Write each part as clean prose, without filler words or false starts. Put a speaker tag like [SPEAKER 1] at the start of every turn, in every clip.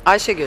[SPEAKER 1] Ayşegül.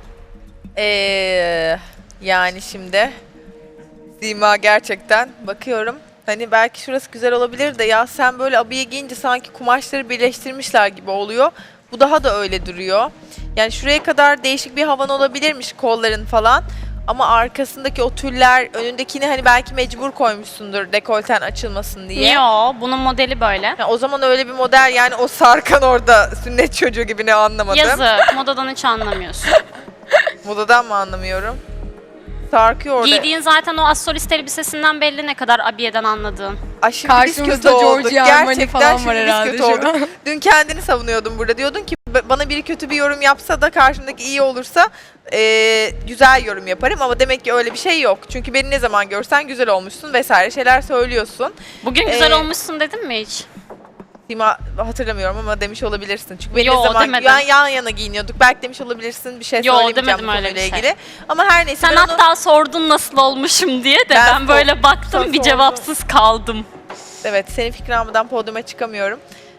[SPEAKER 2] Yani şimdi Sima gerçekten bakıyorum. Hani belki şurası güzel olabilir de ya sen böyle abiye giyince sanki kumaşları birleştirmişler gibi oluyor. Bu daha da öyle duruyor. Yani şuraya kadar değişik bir havan olabilirmiş kolların falan. Ama arkasındaki o tüller önündekini hani belki mecbur koymuşsundur dekolten açılmasın diye.
[SPEAKER 3] Yo, bunun modeli böyle.
[SPEAKER 2] Ya o zaman öyle bir model yani o sarkan orada sünnet çocuğu gibi ne anlamadım.
[SPEAKER 3] Yazık, modadan hiç anlamıyorsun.
[SPEAKER 2] Modadan mı anlamıyorum? Sarkıyor orada.
[SPEAKER 3] Giydiğin zaten o astrolist elbisesinden belli ne kadar abiyeden anladığın.
[SPEAKER 2] Ay şimdi biz kötü
[SPEAKER 4] Karşımızda
[SPEAKER 2] olduk.
[SPEAKER 4] Giorgio Armani
[SPEAKER 2] Gerçekten
[SPEAKER 4] falan
[SPEAKER 2] şimdi
[SPEAKER 4] var
[SPEAKER 2] biz
[SPEAKER 4] herhalde
[SPEAKER 2] kötü
[SPEAKER 4] şu
[SPEAKER 2] olduk.
[SPEAKER 4] an.
[SPEAKER 2] Dün kendini savunuyordun burada. Diyordun ki bana biri kötü bir yorum yapsa da karşımdaki iyi olursa güzel yorum yaparım. Ama demek ki öyle bir şey yok. Çünkü beni ne zaman görsen güzel olmuşsun vesaire şeyler söylüyorsun.
[SPEAKER 3] Bugün güzel olmuşsun dedim mi hiç?
[SPEAKER 2] Sima hatırlamıyorum ama demiş olabilirsin. Çünkü beni
[SPEAKER 3] Yo,
[SPEAKER 2] ne zaman
[SPEAKER 3] demedim.
[SPEAKER 2] yan yana giyiniyorduk. Belki demiş olabilirsin bir şey
[SPEAKER 3] Yo,
[SPEAKER 2] söylemeyeceğim
[SPEAKER 3] demedim
[SPEAKER 2] bu
[SPEAKER 3] öyle
[SPEAKER 2] konuyla
[SPEAKER 3] bir şey.
[SPEAKER 2] ilgili. Ama her neyse
[SPEAKER 3] Sen
[SPEAKER 2] ben onu...
[SPEAKER 3] hatta sordun nasıl olmuşum diye de
[SPEAKER 2] Ben
[SPEAKER 3] ben böyle baktım
[SPEAKER 2] sen
[SPEAKER 3] bir cevapsız kaldım.
[SPEAKER 2] Evet, senin fikrini almadan podyuma çıkamıyorum.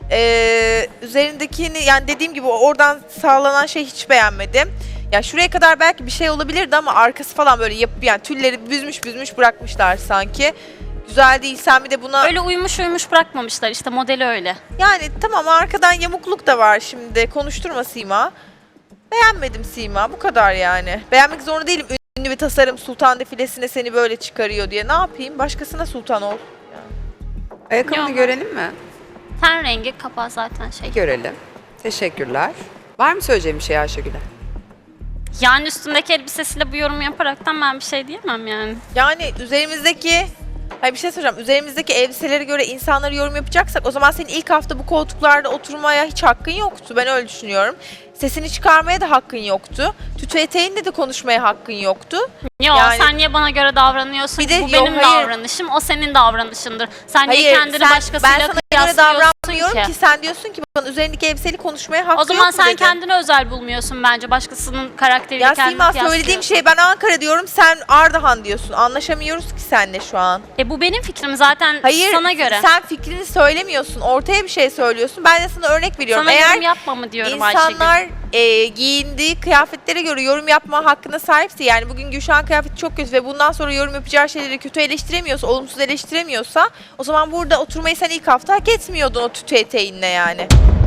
[SPEAKER 2] Üzerindekini yani dediğim gibi oradan sağlanan şey hiç beğenmedim. Ya şuraya kadar belki bir şey olabilirdi ama arkası falan böyle yapıp yani tülleri büzmüş bırakmışlar sanki. Güzel değil. Sen bir de buna
[SPEAKER 3] Öyle uyumuş bırakmamışlar işte modeli öyle.
[SPEAKER 2] yani tamam arkadan yamukluk da var şimdi. Konuşturma Sima. Beğenmedim Sima. Bu kadar yani. Beğenmek zorunda değilim. Ünlü bir tasarım sultan defilesine seni böyle çıkarıyor diye. Ne yapayım? Başkasına sultan ol.
[SPEAKER 1] Ayakkabını
[SPEAKER 3] Yok.
[SPEAKER 1] görelim mi?
[SPEAKER 3] Ten rengi kapağı zaten şey.
[SPEAKER 1] Görelim. Teşekkürler. Var mı söyleyeceğim bir şey Ayşegül'e?
[SPEAKER 3] Yani üstündeki elbisesiyle bu yorum yaparaktan ben bir şey diyemem yani.
[SPEAKER 2] Yani üzerimizdeki hayır bir şey soracağım. Üzerimizdeki elbiselere göre insanları yorum yapacaksak o zaman senin ilk hafta bu koltuklarda oturmaya hiç hakkın yoktu. Ben öyle düşünüyorum. Sesini çıkarmaya da hakkın yoktu. Tütü eteğinde de konuşmaya hakkın yoktu.
[SPEAKER 3] Yo
[SPEAKER 2] Yani-
[SPEAKER 3] sen niye bana göre davranıyorsun
[SPEAKER 2] Bir
[SPEAKER 3] ki?
[SPEAKER 2] de
[SPEAKER 3] Bu
[SPEAKER 2] yo,
[SPEAKER 3] benim
[SPEAKER 2] hayır.
[SPEAKER 3] davranışım, o senin davranışındır. Sen niye
[SPEAKER 2] Hayır,
[SPEAKER 3] kendini
[SPEAKER 2] ben
[SPEAKER 3] başkasıyla
[SPEAKER 2] sana göre
[SPEAKER 3] kıyaslıyorsun
[SPEAKER 2] davranmıyorum
[SPEAKER 3] ki?
[SPEAKER 2] ki. Sen diyorsun ki bana üzerindeki elbiseyle konuşmaya hakkı
[SPEAKER 3] O zaman
[SPEAKER 2] yok mu
[SPEAKER 3] sen
[SPEAKER 2] dedin.
[SPEAKER 3] kendini özel bulmuyorsun bence. Başkasının karakteriyle
[SPEAKER 2] Ya
[SPEAKER 3] kendini
[SPEAKER 2] Sima
[SPEAKER 3] kıyaslıyorsun.
[SPEAKER 2] söylediğim şey ben Ankara diyorum sen Ardahan diyorsun. Anlaşamıyoruz ki seninle şu an.
[SPEAKER 3] Bu benim fikrim zaten
[SPEAKER 2] Hayır
[SPEAKER 3] sana göre.
[SPEAKER 2] sen fikrini söylemiyorsun. Ortaya bir şey söylüyorsun. Ben de sana örnek veriyorum.
[SPEAKER 3] Sana
[SPEAKER 2] Eğer
[SPEAKER 3] yorum yapma mı diyorum Ayşegül.
[SPEAKER 2] İnsanlar giyindiği kıyafetlere göre yorum yapma hakkına sahipse yani bugün Gülşah'ın kıyafeti çok kötü ve bundan sonra yorum yapacağı şeyleri kötü eleştiremiyorsa, olumsuz eleştiremiyorsa o zaman burada oturmayı sen ilk hafta hak etmiyordun o tütü eteğinle yani.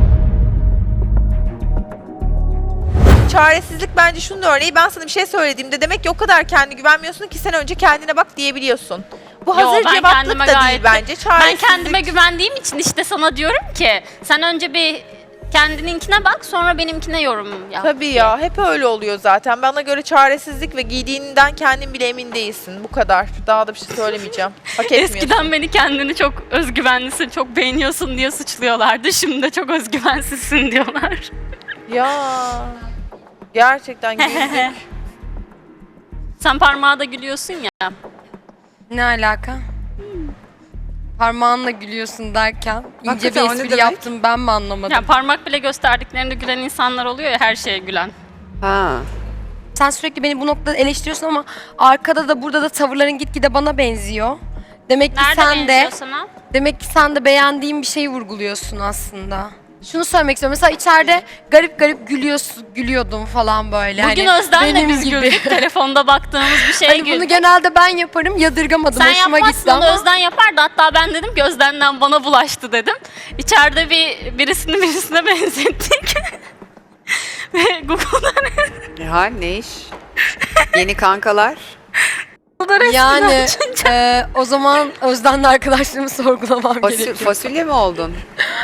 [SPEAKER 2] Çaresizlik bence şunun örneği ben sana bir şey söylediğimde demek ki o kadar kendi güvenmiyorsun ki sen önce kendine bak diyebiliyorsun. Bu
[SPEAKER 3] Yo,
[SPEAKER 2] hazır
[SPEAKER 3] ben
[SPEAKER 2] cevaplık
[SPEAKER 3] kendime
[SPEAKER 2] da
[SPEAKER 3] gayet-
[SPEAKER 2] değil bence.
[SPEAKER 3] Ben
[SPEAKER 2] Çaresizlik.
[SPEAKER 3] kendime güvendiğim için işte sana diyorum ki sen önce bir kendininkine bak sonra benimkine yorum yap.
[SPEAKER 2] Tabii ya hep öyle oluyor zaten. Bana göre çaresizlik ve giydiğinden kendin bile emin değilsin. Bu kadar. Daha da bir şey söylemeyeceğim. Hak etmiyorsun.
[SPEAKER 3] Eskiden beni kendini çok özgüvenlisin, çok beğeniyorsun diye suçluyorlardı. Şimdi de çok özgüvensizsin diyorlar.
[SPEAKER 2] Ya gerçekten güldük.
[SPEAKER 3] Sen parmağa da gülüyorsun ya.
[SPEAKER 4] Ne alaka? Parmağınla gülüyorsun derken ince
[SPEAKER 1] Hakikaten
[SPEAKER 4] bir
[SPEAKER 1] o ne
[SPEAKER 4] espri
[SPEAKER 1] demek?
[SPEAKER 4] yaptım ben mi anlamadım?
[SPEAKER 3] Ya parmak bile gösterdiklerinde gülen insanlar oluyor ya her şeye gülen.
[SPEAKER 1] Ha.
[SPEAKER 4] Sen sürekli beni bu noktada eleştiriyorsun ama arkada da burada da tavırların gitgide bana benziyor. Demek ki
[SPEAKER 3] Nerede
[SPEAKER 4] sen de
[SPEAKER 3] benziyor sana?
[SPEAKER 4] demek ki sen de beğendiğin bir şeyi vurguluyorsun aslında. Şunu söylemek istiyorum. Mesela içeride garip garip gülüyordum falan böyle.
[SPEAKER 3] Bugün
[SPEAKER 4] hani
[SPEAKER 3] Özden'le
[SPEAKER 4] benim
[SPEAKER 3] biz
[SPEAKER 4] gibi.
[SPEAKER 3] güldük. Telefonda baktığımız bir şeye
[SPEAKER 4] Hani bunu
[SPEAKER 3] güldük.
[SPEAKER 4] genelde ben yaparım. Yadırgamadım.
[SPEAKER 3] Sen
[SPEAKER 4] Hoşuma
[SPEAKER 3] yapmazsın
[SPEAKER 4] gitti
[SPEAKER 3] onu
[SPEAKER 4] ama.
[SPEAKER 3] Özden yapardı. Hatta ben dedim ki Özden'den bana bulaştı dedim. İçeride birisine benzettik. Ve Google'dan
[SPEAKER 1] Ne iş? Yeni kankalar.
[SPEAKER 4] Yani o zaman Özden'le arkadaşlığımı sorgulamam gerekiyor.
[SPEAKER 1] Fasulye mi oldun?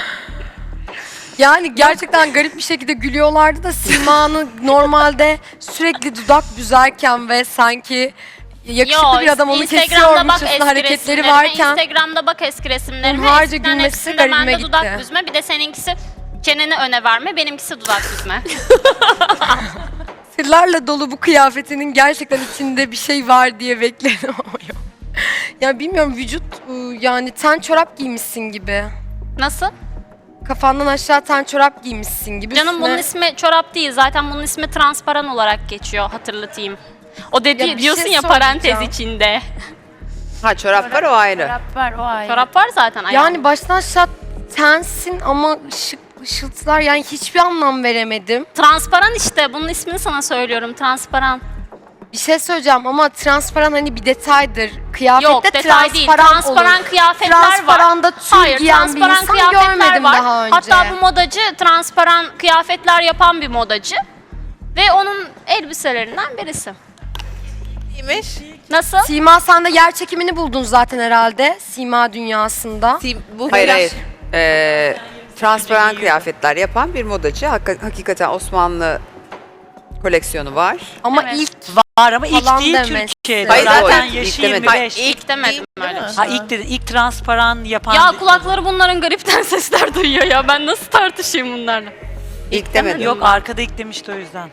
[SPEAKER 4] Yani gerçekten garip bir şekilde gülüyorlardı da Sima'nın normalde sürekli dudak büzerken ve sanki yakışıklı bir adam onu kesiyormuşçasına hareketleri varken
[SPEAKER 3] Instagram'da bak eski resimlerime.
[SPEAKER 4] Hunharca
[SPEAKER 3] Eskiden
[SPEAKER 4] gülmesi
[SPEAKER 3] hepsinde
[SPEAKER 4] garibime
[SPEAKER 3] bende dudak
[SPEAKER 4] gitti.
[SPEAKER 3] büzme. Bir de seninkisi çeneni öne verme. Benimkisi dudak büzme.
[SPEAKER 4] sırlarla dolu bu kıyafetinin gerçekten içinde bir şey var diye bekledim ama yok. Ya bilmiyorum vücut yani ten çorap giymişsin gibi.
[SPEAKER 3] Nasıl?
[SPEAKER 4] Kafandan aşağı ten çorap giymişsin gibi.
[SPEAKER 3] Canım bunun
[SPEAKER 4] Üstüne-
[SPEAKER 3] ismi çorap değil. Zaten bunun ismi transparan olarak geçiyor hatırlatayım. O dedi
[SPEAKER 4] Ya bir
[SPEAKER 3] diyorsun
[SPEAKER 4] şey
[SPEAKER 3] ya parantez
[SPEAKER 4] soracağım.
[SPEAKER 3] içinde.
[SPEAKER 1] Ha çorap var o ayrı.
[SPEAKER 3] Çorap var zaten ayağında.
[SPEAKER 4] Yani baştan aşağı tensin ama şık ışıltılar yani hiçbir anlam veremedim.
[SPEAKER 3] Transparan işte. Bunun ismini sana söylüyorum. Transparan.
[SPEAKER 4] Bir şey söyleyeceğim ama transparan hani bir detaydır. Kıyafette
[SPEAKER 3] Yok, detay değil.
[SPEAKER 4] transparan olur.
[SPEAKER 3] Kıyafetler var.
[SPEAKER 4] Transparanda tül
[SPEAKER 3] Hayır,
[SPEAKER 4] giyen bir
[SPEAKER 3] transparan
[SPEAKER 4] insan
[SPEAKER 3] kıyafetler
[SPEAKER 4] görmedim
[SPEAKER 3] var.
[SPEAKER 4] daha önce.
[SPEAKER 3] Hatta bu modacı transparan kıyafetler yapan bir modacı. Ve onun elbiselerinden birisi.
[SPEAKER 2] İyiymiş.
[SPEAKER 3] Nasıl?
[SPEAKER 4] Sima sen de yer çekimini buldun zaten herhalde. Sima dünyasında.
[SPEAKER 2] Bu
[SPEAKER 1] Hayır
[SPEAKER 2] biraz-
[SPEAKER 1] hayır. Transparan kıyafetler yapan bir modacı. Hakikaten Osmanlı koleksiyonu var.
[SPEAKER 4] Ama
[SPEAKER 3] Evet.
[SPEAKER 4] ilk
[SPEAKER 5] Var ama ilk
[SPEAKER 4] Falan
[SPEAKER 5] değil
[SPEAKER 4] demesi.
[SPEAKER 5] Türkiye'de.
[SPEAKER 1] Hayır,
[SPEAKER 5] Zaten
[SPEAKER 1] zaten
[SPEAKER 5] yaşı
[SPEAKER 1] ilk demedim.
[SPEAKER 5] 25.
[SPEAKER 3] İlk demedim
[SPEAKER 2] değil
[SPEAKER 3] öyle
[SPEAKER 2] mi?
[SPEAKER 3] bir şey.
[SPEAKER 5] Ha ilk dedin. İlk transparan yapan.
[SPEAKER 3] Ya kulakları bunların garipten sesler duyuyor ya. Ben nasıl tartışayım bunlarla?
[SPEAKER 1] İlk demedim.
[SPEAKER 5] Yok arkada ilk demişti o yüzden.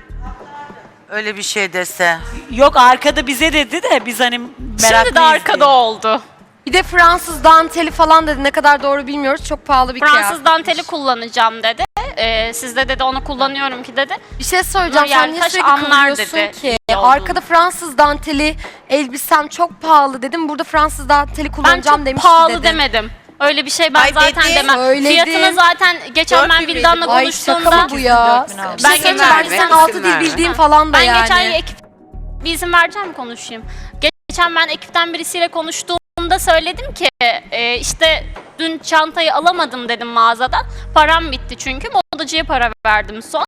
[SPEAKER 6] Öyle bir şey dese.
[SPEAKER 5] Yok arkada bize dedi de biz hani meraklıyız
[SPEAKER 3] Şimdi de arkada
[SPEAKER 5] diye.
[SPEAKER 3] oldu.
[SPEAKER 4] bir de Fransız danteli falan dedi. Ne kadar doğru bilmiyoruz. Çok pahalı bir
[SPEAKER 3] Fransız
[SPEAKER 4] kıyafet.
[SPEAKER 3] danteli kullanacağım dedi. Sizde dedi onu kullanıyorum ki dedi.
[SPEAKER 4] Bir şey söyleyeceğim.
[SPEAKER 3] Nur
[SPEAKER 4] Sen niye
[SPEAKER 3] Yeltaş
[SPEAKER 4] sürekli
[SPEAKER 3] anlar
[SPEAKER 4] kıvırıyorsun
[SPEAKER 3] dedi
[SPEAKER 4] ki?
[SPEAKER 3] iyi olduğunu.
[SPEAKER 4] Arkada Fransız danteli elbisem çok pahalı dedim. Burada Fransız danteli
[SPEAKER 3] Ben
[SPEAKER 4] kullanacağım
[SPEAKER 3] çok
[SPEAKER 4] demişti
[SPEAKER 3] pahalı
[SPEAKER 4] dedin.
[SPEAKER 3] demedim. Öyle bir şey ben
[SPEAKER 2] Ay
[SPEAKER 3] zaten
[SPEAKER 2] dedi,
[SPEAKER 3] demem.
[SPEAKER 4] söyledin.
[SPEAKER 3] Fiyatını zaten geçen
[SPEAKER 2] 4000
[SPEAKER 3] ben
[SPEAKER 2] miydi?
[SPEAKER 3] Vildan'la
[SPEAKER 4] Ay şaka
[SPEAKER 3] konuştuğumda
[SPEAKER 4] mı bu ya?
[SPEAKER 5] 4000 aldım.
[SPEAKER 4] Ben
[SPEAKER 3] Ben
[SPEAKER 4] geçen
[SPEAKER 3] geçen
[SPEAKER 4] sen
[SPEAKER 1] verme,
[SPEAKER 4] altı
[SPEAKER 1] isim
[SPEAKER 4] dil
[SPEAKER 1] verme.
[SPEAKER 4] bildiğim falan da
[SPEAKER 3] ben
[SPEAKER 4] yani.
[SPEAKER 3] geçen ekip bir izin vereceğim konuşayım. Geçen ben ekipten birisiyle konuştuğumda söyledim ki işte dün çantayı alamadım dedim mağazadan. Param bitti çünkü modacıya para verdim son.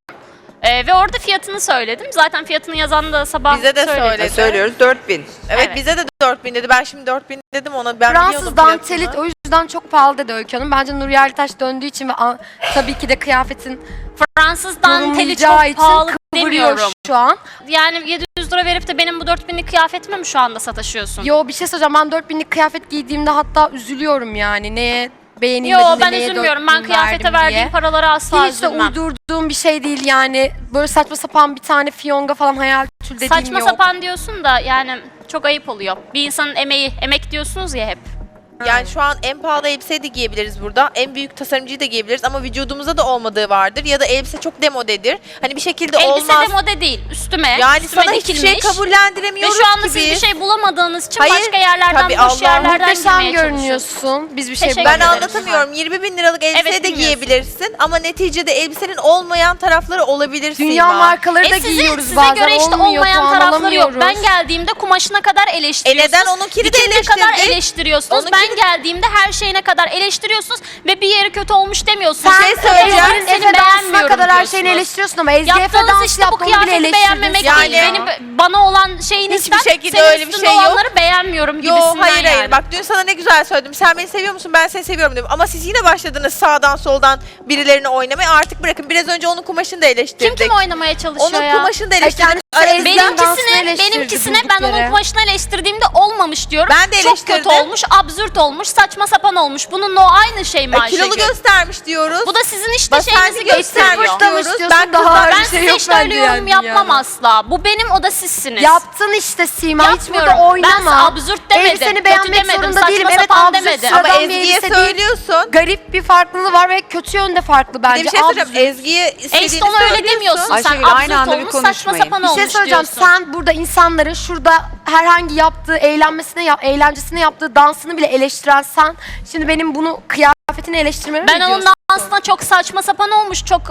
[SPEAKER 3] Ve orada fiyatını söyledim. Zaten fiyatını yazan da sabah
[SPEAKER 2] Bize de
[SPEAKER 3] söyledi.
[SPEAKER 2] söyledi.
[SPEAKER 1] Söylüyoruz 4000.
[SPEAKER 2] Evet,
[SPEAKER 3] Evet.
[SPEAKER 2] bize de 4000 dedi. Ben şimdi 4000 dedim ona. Ben
[SPEAKER 4] Fransız
[SPEAKER 2] biliyordum
[SPEAKER 4] danteli
[SPEAKER 2] fiyatını.
[SPEAKER 4] o yüzden çok pahalı dedi Öykü Hanım. Bence Nur Yeltaş döndüğü için ve tabii ki de kıyafetin
[SPEAKER 3] Fransız danteli
[SPEAKER 4] yorumlayacağı
[SPEAKER 3] çok
[SPEAKER 4] için
[SPEAKER 3] pahalı
[SPEAKER 4] kıvırıyor
[SPEAKER 3] demiyorum.
[SPEAKER 4] şu an.
[SPEAKER 3] Yani 700 lira verip de benim bu 4000'lik kıyafetime mi şu anda sataşıyorsun?
[SPEAKER 4] Yo bir şey söyleyeceğim. Ben 4000'lik kıyafet giydiğimde hatta üzülüyorum yani. Neye
[SPEAKER 3] Yo
[SPEAKER 4] beğenilmedi de
[SPEAKER 3] ben
[SPEAKER 4] neye
[SPEAKER 3] üzülmüyorum. Ben
[SPEAKER 4] 4000
[SPEAKER 3] kıyafete
[SPEAKER 4] verdim
[SPEAKER 3] verdiğim
[SPEAKER 4] diye.
[SPEAKER 3] paraları asla
[SPEAKER 4] Hiç de
[SPEAKER 3] üzülmem.
[SPEAKER 4] uydurduğum bir şey değil yani. Böyle saçma sapan bir tane fiyonga falan hayal tül dediğim
[SPEAKER 3] Saçma
[SPEAKER 4] yok.
[SPEAKER 3] sapan diyorsun da yani çok ayıp oluyor. Bir insanın emeği, emek diyorsunuz ya hep.
[SPEAKER 2] Yani şu an en pahalı elbiseyi de giyebiliriz burada. En büyük tasarımcıyı da giyebiliriz ama vücudumuzda da olmadığı vardır. Ya da elbise çok demodedir. Hani bir şekilde
[SPEAKER 3] Elbise
[SPEAKER 2] olmaz.
[SPEAKER 3] de mode değil, üstüme.
[SPEAKER 2] Yani
[SPEAKER 3] üstüme
[SPEAKER 2] sana hiçbir şey
[SPEAKER 3] dikilmiş. Ve
[SPEAKER 2] kabullendiremiyoruz
[SPEAKER 3] şu anda
[SPEAKER 2] ki
[SPEAKER 3] siz bir
[SPEAKER 2] biz.
[SPEAKER 3] şey bulamadığınız için
[SPEAKER 2] Hayır,
[SPEAKER 3] başka yerlerden,
[SPEAKER 2] tabii
[SPEAKER 3] boş
[SPEAKER 2] Allah
[SPEAKER 3] yerlerden
[SPEAKER 4] Muhteşem
[SPEAKER 3] girmeye çalışıyorsunuz.
[SPEAKER 4] görünüyorsun. Biz bir şey
[SPEAKER 3] Teşekkür
[SPEAKER 2] Ben
[SPEAKER 3] ederim.
[SPEAKER 2] anlatamıyorum. 20 bin liralık elbise
[SPEAKER 3] Evet,
[SPEAKER 2] de
[SPEAKER 3] bilmiyorsun.
[SPEAKER 2] giyebilirsin ama neticede elbisenin olmayan tarafları olabilir
[SPEAKER 4] Dünya
[SPEAKER 2] Sima.
[SPEAKER 4] markaları da
[SPEAKER 3] Size
[SPEAKER 4] giyiyoruz bazen.
[SPEAKER 3] göre işte
[SPEAKER 4] olmuyor,
[SPEAKER 3] olmayan
[SPEAKER 4] puan
[SPEAKER 3] tarafları yok.
[SPEAKER 4] alamıyoruz.
[SPEAKER 3] Ben geldiğimde kumaşına kadar eleştiriyorsunuz.
[SPEAKER 2] neden onunkini de
[SPEAKER 3] dikimine kadar
[SPEAKER 2] eleştirdik?
[SPEAKER 3] eleştiriyorsunuz.
[SPEAKER 2] Onunkini-
[SPEAKER 3] Ben geldiğimde her şeyine kadar eleştiriyorsunuz ve bir yeri kötü olmuş demiyorsunuz.
[SPEAKER 2] Bir şey söyleyeceğim.
[SPEAKER 3] Seni
[SPEAKER 4] Efe dansına
[SPEAKER 3] beğenmiyorum
[SPEAKER 4] kadar her
[SPEAKER 3] diyorsunuz.
[SPEAKER 4] şeyini eleştiriyorsun ama Ezgi Efe
[SPEAKER 3] Yaptığınız
[SPEAKER 4] dans
[SPEAKER 3] işte bu
[SPEAKER 4] yaptı onu bile
[SPEAKER 3] kıyafeti
[SPEAKER 4] eleştirdin.
[SPEAKER 3] beğenmemek
[SPEAKER 2] Yani-
[SPEAKER 3] değil. Bana olan şeyin
[SPEAKER 2] Hiçbir
[SPEAKER 3] ister,
[SPEAKER 2] şekilde
[SPEAKER 3] senin
[SPEAKER 2] öyle bir
[SPEAKER 3] üstünde
[SPEAKER 2] şey yok.
[SPEAKER 3] olanları beğenmiyorum
[SPEAKER 2] Yo
[SPEAKER 3] gibisinden
[SPEAKER 2] hayır
[SPEAKER 3] yani.
[SPEAKER 2] hayır. Bak dün sana ne güzel söyledim. Sen beni seviyor musun? Ben seni seviyorum dedim. Ama siz yine başladınız sağdan soldan birilerini oynamaya. Artık bırakın. Biraz önce onun kumaşını da eleştirdik.
[SPEAKER 3] Kim oynamaya çalışıyor
[SPEAKER 2] Onun
[SPEAKER 3] ya?
[SPEAKER 2] kumaşını da
[SPEAKER 4] Ay,
[SPEAKER 2] eleştirdik.
[SPEAKER 4] kendisi
[SPEAKER 2] Aranızda-
[SPEAKER 4] Ezgi'nin dansını eleştirdi
[SPEAKER 3] Benimkisine
[SPEAKER 4] durduk
[SPEAKER 3] ben onun
[SPEAKER 4] yere.
[SPEAKER 3] kumaşını eleştirdiğimde olmamış diyorum.
[SPEAKER 2] Ben de
[SPEAKER 3] Çok kötü
[SPEAKER 2] eleştirdim.
[SPEAKER 3] olmuş, absürt olmuş, saçma sapan olmuş. Bununla o aynı şey mi Ayşegül?
[SPEAKER 2] kilolu göstermiş diyoruz.
[SPEAKER 3] Bu da sizin işte
[SPEAKER 2] Basenli
[SPEAKER 3] şeyinizi gösteriyor.
[SPEAKER 2] göstermiş diyoruz.
[SPEAKER 4] Ben daha
[SPEAKER 2] kızlar-
[SPEAKER 4] ağır
[SPEAKER 3] Ben
[SPEAKER 4] bir şey
[SPEAKER 3] size
[SPEAKER 4] yok
[SPEAKER 3] işte öyle
[SPEAKER 4] bence
[SPEAKER 3] yorum
[SPEAKER 4] yani
[SPEAKER 3] yapmam
[SPEAKER 4] dünyada.
[SPEAKER 3] asla. Bu benim, o da sizsiniz.
[SPEAKER 4] Yaptın işte Sima. Hiç burada
[SPEAKER 3] Yapmıyorum.
[SPEAKER 4] oynama.
[SPEAKER 3] Ben absürt demedim.
[SPEAKER 4] Elbiseni
[SPEAKER 3] Kötü
[SPEAKER 4] beğenmek
[SPEAKER 3] demedim,
[SPEAKER 4] zorunda
[SPEAKER 3] saçma
[SPEAKER 4] değilim. Evet
[SPEAKER 3] sapan
[SPEAKER 4] absürt
[SPEAKER 3] demedim.
[SPEAKER 2] Ama
[SPEAKER 4] sıradan bir
[SPEAKER 2] Ezgi'ye
[SPEAKER 4] elbise değil.
[SPEAKER 2] söylüyorsun.
[SPEAKER 4] Garip bir farklılığı var ve kötü yönde farklı
[SPEAKER 2] Bir
[SPEAKER 4] bence.
[SPEAKER 2] de bir şey söyleyeceğim.
[SPEAKER 4] Absürt.
[SPEAKER 2] Ezgi'ye istediğini
[SPEAKER 3] işte onu öyle
[SPEAKER 2] söylüyorsun.
[SPEAKER 3] demiyorsun. Sen
[SPEAKER 1] Ayşegül, aynı
[SPEAKER 3] absürt
[SPEAKER 1] anda bir
[SPEAKER 3] olmuş, saçma
[SPEAKER 1] konuşmayın.
[SPEAKER 3] sapan
[SPEAKER 4] Bir şey
[SPEAKER 3] olmuş
[SPEAKER 4] söyleyeceğim.
[SPEAKER 3] diyorsun.
[SPEAKER 4] Sen burada insanların şurada herhangi yaptığı eğlencesine yaptığı dansını bile eleştiren sen. Şimdi benim bunu kıyafetini eleştirmemi
[SPEAKER 3] Ben
[SPEAKER 4] mi
[SPEAKER 3] onun
[SPEAKER 4] diyorsun?
[SPEAKER 3] dansına çok saçma sapan olmuş, çok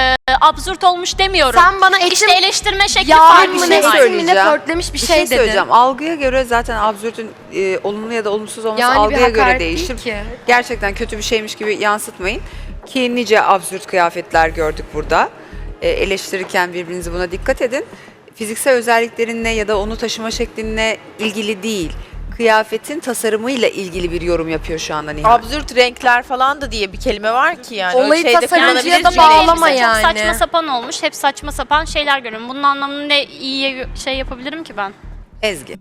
[SPEAKER 3] absürt olmuş demiyorum.
[SPEAKER 4] Sen bana etim
[SPEAKER 3] İşte eleştirme şekli
[SPEAKER 4] yağ
[SPEAKER 3] farklı.
[SPEAKER 1] bir
[SPEAKER 4] mı
[SPEAKER 1] şey
[SPEAKER 4] ne
[SPEAKER 1] söyleyeceğim.
[SPEAKER 4] etim mi ne pörtlemiş bir şey dedi.
[SPEAKER 1] söyleyeceğim. Algıya göre zaten absürtün olumlu ya da olumsuz olması
[SPEAKER 4] Yani bir
[SPEAKER 1] algıya göre
[SPEAKER 4] hakaret
[SPEAKER 1] değişir.
[SPEAKER 4] değil ki.
[SPEAKER 1] Gerçekten kötü bir şeymiş gibi yansıtmayın. Ki nice absürt kıyafetler gördük burada. Eleştirirken birbirinizi buna dikkat edin. Fiziksel özelliklerinle ya da onu taşıma şeklinle ilgili değil. Kıyafetin tasarımıyla ilgili bir yorum yapıyor şu anda Nihal.
[SPEAKER 2] Absürt renkler falan da diye bir kelime var ki yani.
[SPEAKER 4] Olayı
[SPEAKER 2] Öyle şeyde
[SPEAKER 4] tasarımcıya
[SPEAKER 2] kullanabilir
[SPEAKER 4] da
[SPEAKER 2] miyim?
[SPEAKER 4] bağlama
[SPEAKER 3] Elbise
[SPEAKER 4] yani.
[SPEAKER 3] Çok saçma sapan olmuş. Hep saçma sapan şeyler görüyorum. Bunun anlamını ne iyiye şey yapabilirim ki ben?
[SPEAKER 1] Ezgi.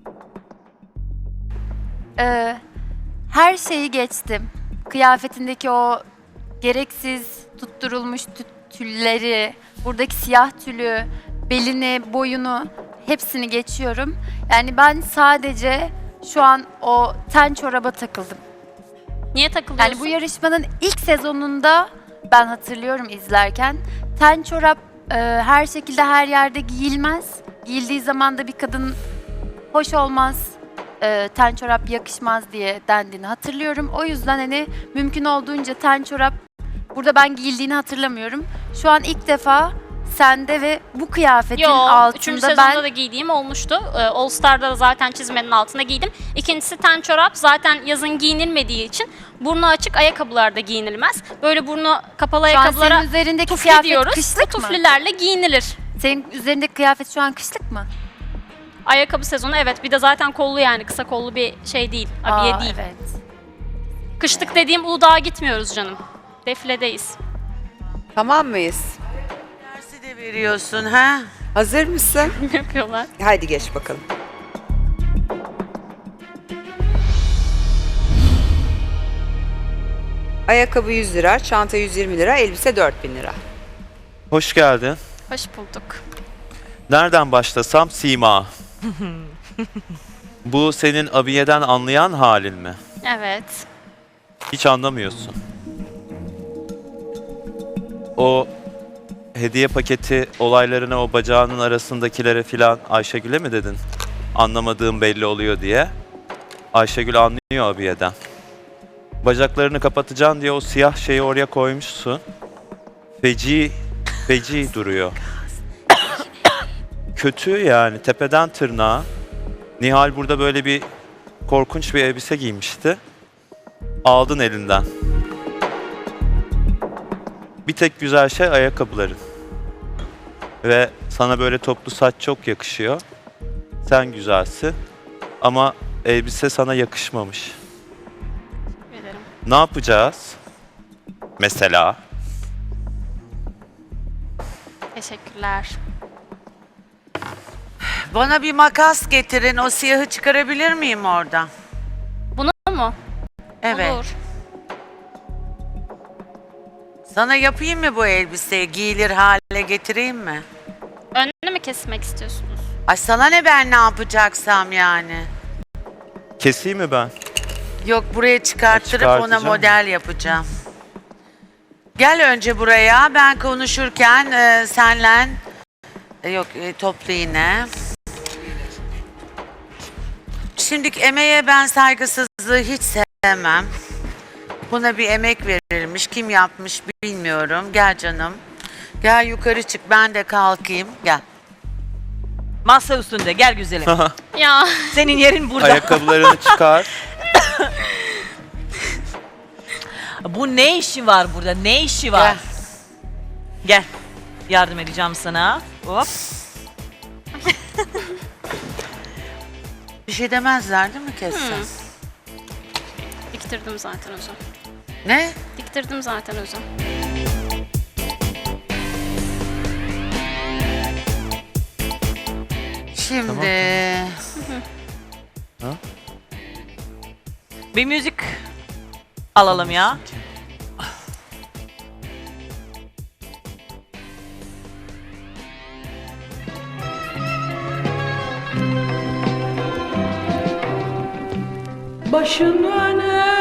[SPEAKER 7] Her şeyi geçtim. Kıyafetindeki o gereksiz tutturulmuş tülleri, buradaki siyah tülü, belini, boyunu hepsini geçiyorum. Yani ben sadece şu an o ten çoraba takıldım.
[SPEAKER 3] Niye takılıyorsun?
[SPEAKER 7] Yani bu yarışmanın ilk sezonunda ben hatırlıyorum izlerken ten çorap her şekilde her yerde giyilmez. Giyildiği zaman da bir kadın hoş olmaz, ten çorap yakışmaz diye dendiğini hatırlıyorum. O yüzden hani mümkün olduğunca ten çorap Burada ben giyildiğini hatırlamıyorum. Şu an ilk defa sende ve bu kıyafetin
[SPEAKER 3] Yo, 3.
[SPEAKER 7] altında
[SPEAKER 3] sezonda
[SPEAKER 7] ben
[SPEAKER 3] da giydiğim olmuştu. All Star'da da zaten çizmenin altına giydim. İkincisi ten çorap zaten yazın giyinilmediği için burnu açık ayakkabılarda giyinilmez. Böyle burnu kapalı
[SPEAKER 7] şu an
[SPEAKER 3] ayakkabılara
[SPEAKER 7] senin üzerindeki
[SPEAKER 3] tufli
[SPEAKER 7] kıyafet
[SPEAKER 3] diyoruz. Bu
[SPEAKER 7] kışlık mı?
[SPEAKER 3] tuflilerle giyinilir.
[SPEAKER 7] Senin üzerindeki kıyafet şu an kışlık mı?
[SPEAKER 3] Ayakkabı sezonu evet. Bir de zaten kollu yani kısa kollu bir şey değil. Abiye değil.
[SPEAKER 7] Evet.
[SPEAKER 3] Kışlık dediğim Uludağ'a gitmiyoruz canım. Defiledeyiz.
[SPEAKER 1] Tamam mıyız?
[SPEAKER 6] Dersi de veriyorsun ha?
[SPEAKER 1] Hazır mısın?
[SPEAKER 3] Yapıyorlar.
[SPEAKER 1] Haydi geç bakalım. Ayakkabı 100 lira, çanta 120 lira, elbise 4000 lira.
[SPEAKER 8] Hoş geldin.
[SPEAKER 3] Hoş bulduk.
[SPEAKER 8] Nereden başlasam Sima. Bu senin abiyeden anlayan halin mi?
[SPEAKER 3] Evet.
[SPEAKER 8] Hiç anlamıyorsun. O hediye paketi olaylarına, o bacağının arasındakilere filan Ayşegül'e mi dedin? Anlamadığım belli oluyor diye. Ayşegül anlıyor abiyeden. Bacaklarını kapatacaksın diye o siyah şeyi oraya koymuşsun. Feci duruyor. Kötü yani tepeden tırnağa. Nihal burada böyle bir korkunç bir elbise giymişti. Aldın elinden. Bir tek güzel şey ayakkabıların. Ve sana böyle toplu saç çok yakışıyor. Sen güzelsin. Ama elbise sana yakışmamış.
[SPEAKER 3] Ederim.
[SPEAKER 8] Ne yapacağız? Mesela
[SPEAKER 3] Teşekkürler.
[SPEAKER 6] Bana bir makas getirin. O siyahı çıkarabilir miyim oradan?
[SPEAKER 3] Bunu mu?
[SPEAKER 6] Evet.
[SPEAKER 3] Olur.
[SPEAKER 6] Sana yapayım mı bu elbiseyi? Giyilir hale getireyim mi?
[SPEAKER 3] Önünü mü kesmek istiyorsunuz?
[SPEAKER 6] Ay sana ne, ben ne yapacaksam yani?
[SPEAKER 8] keseyim mi ben?
[SPEAKER 6] Yok, buraya çıkarttırıp ona
[SPEAKER 8] Çıkartacağım.
[SPEAKER 6] model yapacağım. Gel önce buraya. Ben konuşurken senle yok toplu yine. Şimdiki emeğe ben saygısızlığı hiç sevmem. Buna bir emek verilmiş. Kim yapmış bilmiyorum. Gel canım. Gel yukarı çık. Ben de kalkayım. Gel.
[SPEAKER 9] Masa üstünde gel güzelim.
[SPEAKER 3] Ya
[SPEAKER 9] Senin yerin burada.
[SPEAKER 8] Ayakkabılarını çıkar.
[SPEAKER 9] Bu ne işi var burada? Ne işi var?
[SPEAKER 6] Gel.
[SPEAKER 9] Gel. Yardım edeceğim sana. Hop.
[SPEAKER 6] Bir şey demezler değil mi kesin?
[SPEAKER 3] diktirdim zaten Özüm.
[SPEAKER 6] Ne?
[SPEAKER 3] Diktirdim zaten Özüm.
[SPEAKER 6] Şimdi
[SPEAKER 9] Bir müzik alalım ya.
[SPEAKER 10] Başın öne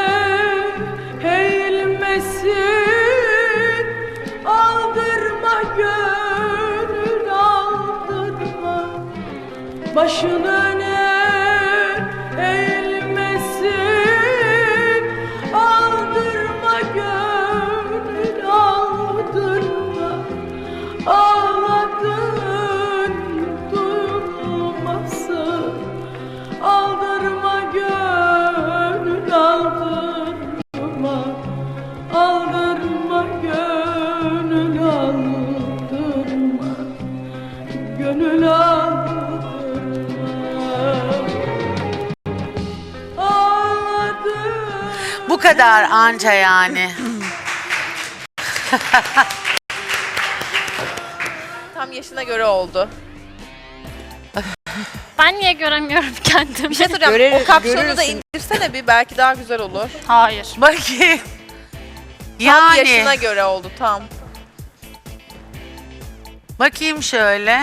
[SPEAKER 10] eğilmesin, aldırma gönül aldırma. Başın öne eğilmesin, aldırma gönül aldırma. Ağladın durmasın, aldırma gönül aldırma. Aldırma gönül aldırma. Gönül aldırma. Ağladım.
[SPEAKER 6] bu kadar anca yani.
[SPEAKER 2] Tam yaşına göre oldu.
[SPEAKER 3] Ben niye göremiyorum kendimi?
[SPEAKER 2] Bir şey söyleyeceğim.
[SPEAKER 1] Görer-
[SPEAKER 2] O kapşonu da
[SPEAKER 1] görürsün.
[SPEAKER 2] indirsene bir, belki daha güzel olur.
[SPEAKER 3] Hayır.
[SPEAKER 6] Bakayım.
[SPEAKER 2] Tam
[SPEAKER 6] Yani
[SPEAKER 2] yaşına göre oldu tam.
[SPEAKER 6] bakayım şöyle.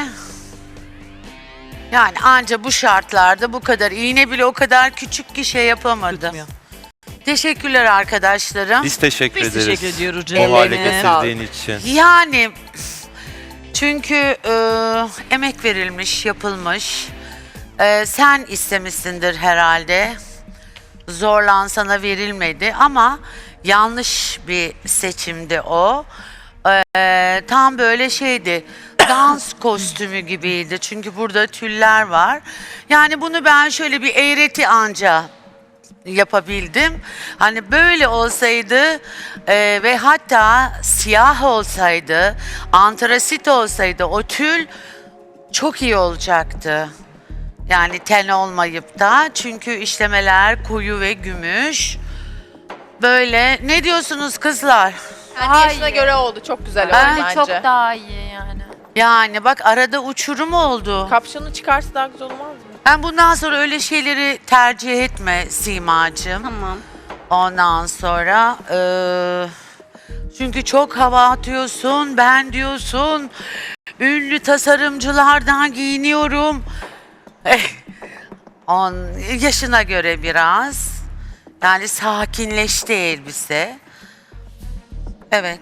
[SPEAKER 6] Yani anca bu şartlarda bu kadar. İğne bile o kadar küçük ki şey yapamadım.
[SPEAKER 9] Tutmuyor.
[SPEAKER 6] Teşekkürler arkadaşlarım.
[SPEAKER 8] Biz teşekkür
[SPEAKER 9] Biz
[SPEAKER 8] ederiz.
[SPEAKER 9] teşekkür ediyoruz
[SPEAKER 8] O
[SPEAKER 9] canım.
[SPEAKER 8] hale
[SPEAKER 1] Ellerine sağlık.
[SPEAKER 8] getirdiğin için.
[SPEAKER 6] Yani çünkü emek verilmiş, yapılmış. Sen istemişsindir herhalde. Zorlan sana verilmedi ama yanlış bir seçimdi o. Tam böyle şeydi, dans kostümü gibiydi. Çünkü burada tüller var. Yani bunu ben şöyle bir eğreti anca yapabildim. Hani böyle olsaydı ve hatta siyah olsaydı, antrasit olsaydı o tül çok iyi olacaktı. Yani ten olmayıp da, çünkü işlemeler koyu ve gümüş. Böyle, ne diyorsunuz kızlar?
[SPEAKER 2] Kendi yaşına göre oldu. Çok güzel oldu
[SPEAKER 7] Bence
[SPEAKER 2] bence.
[SPEAKER 7] çok daha iyi yani.
[SPEAKER 6] Yani bak, arada uçurum oldu.
[SPEAKER 2] Kapşonu çıkarsa daha güzel olmaz mı?
[SPEAKER 6] Ben bundan sonra öyle şeyleri tercih etme Simacığım.
[SPEAKER 3] Tamam.
[SPEAKER 6] Ondan sonra çünkü çok hava atıyorsun, ben diyorsun ünlü tasarımcılardan giyiniyorum. Yaşına göre biraz, yani sakinleşti elbise. Evet.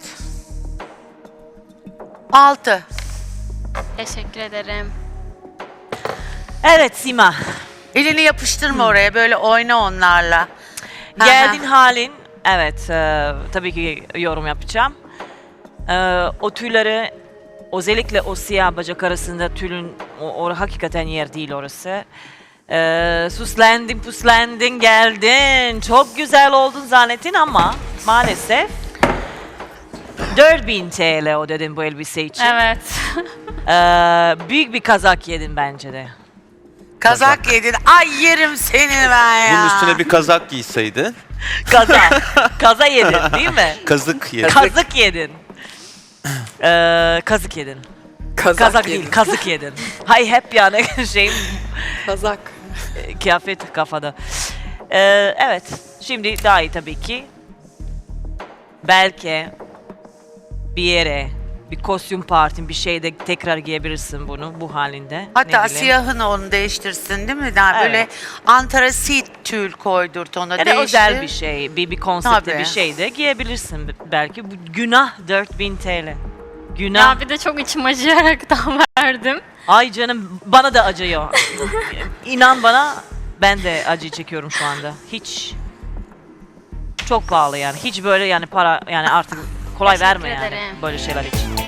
[SPEAKER 6] 6.
[SPEAKER 3] Teşekkür ederim.
[SPEAKER 9] Evet Sima.
[SPEAKER 6] Elini yapıştırma oraya, böyle oyna onlarla.
[SPEAKER 9] Geldin halin. Evet. Tabii ki yorum yapacağım. O tüyleri, özellikle o siyah bacak arasında tülün, o hakikaten yer değil orası. Süslendin, puslendin, geldin. Çok güzel oldun zannettin ama maalesef 4000 TL o dedin bu elbise için.
[SPEAKER 3] Evet.
[SPEAKER 9] Büyük bir kazak yedin bence de.
[SPEAKER 6] Kazak yedin. Ay yerim seni ben ya.
[SPEAKER 8] Bunun üstüne bir kazak giyseydin.
[SPEAKER 9] Kaza yedin değil mi?
[SPEAKER 8] Kazık yedin.
[SPEAKER 9] Kazık yedin. Kazık yedin. Kazak değil, kazık yedin. Hay hep yani şeyim,
[SPEAKER 1] Kazak.
[SPEAKER 9] kıyafet kafada. Evet, şimdi daha iyi tabii ki. Belki bir yere, bir kostüm partin, bir şeyde tekrar giyebilirsin bunu bu halinde.
[SPEAKER 6] Hatta
[SPEAKER 9] Ne bileyim.
[SPEAKER 6] siyahını onu değiştirsin değil mi? Yani böyle
[SPEAKER 9] Evet.
[SPEAKER 6] antrasit tül koydurt ona,
[SPEAKER 9] Ya da
[SPEAKER 6] değiştir.
[SPEAKER 9] özel bir şey, bir konsepte
[SPEAKER 6] Tabii.
[SPEAKER 9] bir şey de giyebilirsin belki. Bu günah 4000 TL. Günah.
[SPEAKER 3] Ya bir de çok içim acıyaraktan verdim.
[SPEAKER 9] Ay canım, bana da acıyor. İnan bana, ben de acı çekiyorum şu anda. Hiç çok pahalı yani. Hiç böyle yani para, yani artık kolay
[SPEAKER 3] Teşekkür
[SPEAKER 9] verme yani
[SPEAKER 3] ederim.
[SPEAKER 9] böyle şeyler için.